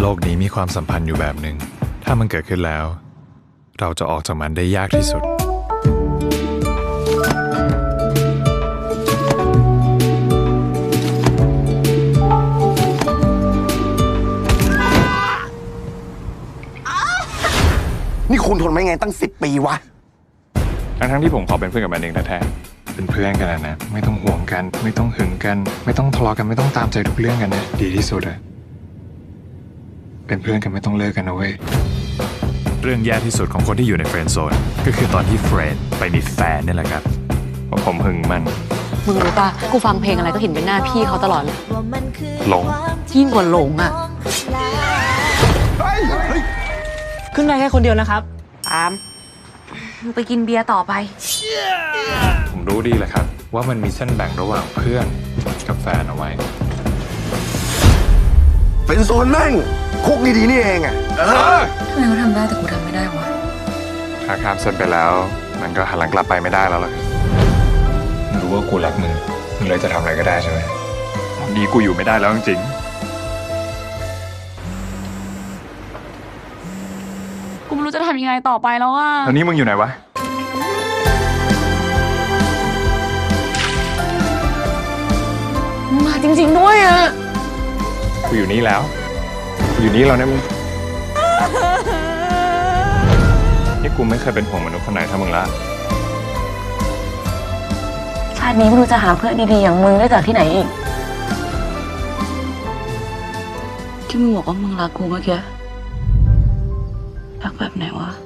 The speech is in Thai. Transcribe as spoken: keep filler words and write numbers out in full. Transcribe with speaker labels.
Speaker 1: โลกนี้มีความสัมพันธ์อยู่แบบหนึ่งถ้ามันเกิดขึ้นแล้วเราจะออกจากมันได้ยากที่สุด
Speaker 2: นี่คุณทนไม่ไงตั้งสิบปีวะ
Speaker 1: ทั้งทั้งที่ผมขอเป็นเพื่อนกับมันเองแท้ๆเป็นเพื่อนกันนะไม่ต้องห่วงกัน ไม่ต้องหึงกัน ไม่ต้องทะเลาะกันไม่ต้องตามใจทุกเรื่องกันนะดีที่สุดอะเป็นเพื่อนกันไม่ต้องเลิกกันนะเว้ยเรื่องแย่ที่สุดของคนที่อยู่ในเฟรนด์โซนก็คือตอนที่เฟรนด์ไปมีแฟนนี่แหละครับเพราะผมหึงมัน
Speaker 3: มึงรู้ป่ะกูฟังเพลงอะไรก็เห็นเป็นหน้าพี่เขาตลอดเลย
Speaker 1: หลง
Speaker 3: ยิ่งกว่าหลงอ่ะ
Speaker 4: ขึ้นได้แค่คนเดียวนะครับ
Speaker 3: ตามมึงไปกินเบียร์ต่อไป
Speaker 1: ผมรู้ดีแหละครับว่ามันมีเส้นแบ่งระหว่างเพื่อนกับแฟนเอาไว้
Speaker 2: เป็นโซนแม่งคุกดีๆนี่เองอ่ะ
Speaker 3: ทำไมเขาทำได้แต่กูทำไม่ได้วะ
Speaker 1: ถ้าข้ามเส้นไปแล้วมันก็หันหลังกลับไปไม่ได้แล้วล่ะมึงรู้ว่ากูรักมึงมึงเลยจะทำอะไรก็ได้ใช่ไหมตอนนี้กูอยู่ไม่ได้แล้วจริง
Speaker 3: กูไม่รู้จะทำยังไงต่อไปแล้วอ่ะ
Speaker 1: ตอนนี้มึงอยู่ไหนวะ
Speaker 3: มาจริงๆด้วยอ่ะ
Speaker 1: กูอยู่นี่แล้วกูอยู่นี่แล้วนะมึงนี่กูไม่เคยเป็นห่วงมนุษย์คนไหนเท่ามึงละ
Speaker 3: ชาตินี้ไม่รู้จะหาเพื่อนดีๆอย่างมึงได้จากที่ไหนอีกที่มึงบอกว่ามึงรักกูเมื่อกี้รักแบบไหนวะ